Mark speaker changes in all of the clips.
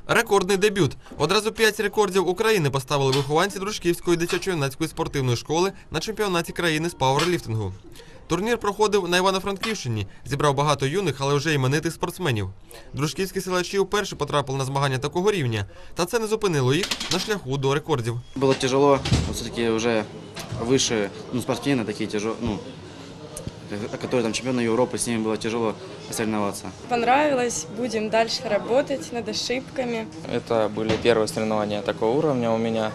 Speaker 1: Рекордний дебют. Одразу 5 рекордів України поставили вихованці Дружківської дитячо-юнацької спортивної школи на чемпіонаті країни з пауерліфтингу. Турнір проходив на Івано-Франківщині, зібрав багато юних, але вже іменитих спортсменів. Дружківські силачі вперше потрапили на змагання такого рівня, та це не зупинило їх на шляху до рекордів.
Speaker 2: Було тяжело, все-таки вже вище, спортсмени такі тяжелі, которые там чемпионы Европы, с ними было тяжело соревноваться.
Speaker 3: Понравилось, будем дальше работать над ошибками.
Speaker 4: Это были первые соревнования такого уровня у меня.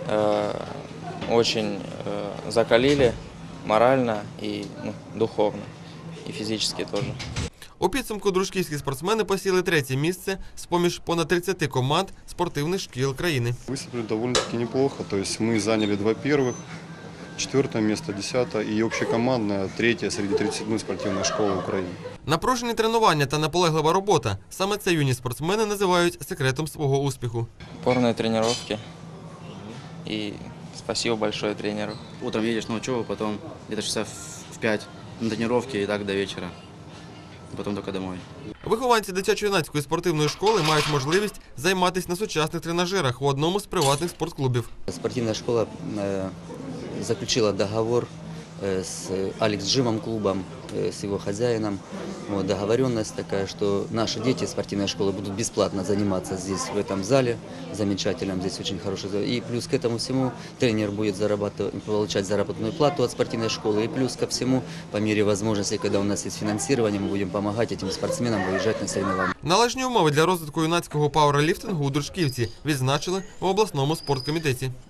Speaker 4: Очень закалили морально и духовно, и физически тоже.
Speaker 1: У підсумку дружківські спортсмени посіли 3-є місце з-поміж понад 30 команд спортивних шкіл країни.
Speaker 5: Выступили довольно-таки неплохо, то есть мы заняли 2 первых, 4 место, 10 и общекомандное 3 среди 37 спортивных школ Украины.
Speaker 1: Напружені тренування та наполеглива робота – саме це юні спортсмени називають секретом свого успіху.
Speaker 4: Упорные тренировки и спасибо большое тренеру.
Speaker 2: Утром едешь на учебу, потом где-то часов в 5 на тренировки и так до вечера. Потом только домой.
Speaker 1: Вихованці дитячо-юнацької спортивної школи мають можливість займатися на сучасних тренажерах в одному з приватних спортклубів.
Speaker 6: Спортивная школа заключила договор с Алекс Джимом клубом, с его хозяином. Вот, договоренность такая, что наши дети спортивной школы будут бесплатно заниматься здесь, в этом зале замечательном, здесь очень хороший зал. И плюс к этому всему тренер будет получать заработную плату от спортивной школы. И плюс ко всему, по мере возможности, когда у нас есть финансирование, мы будем помогать этим спортсменам выезжать на соревнования.
Speaker 1: Належні умови для розвитку юнацького пауерліфтингу у Дружківці відзначили в обласному спорткомітеті.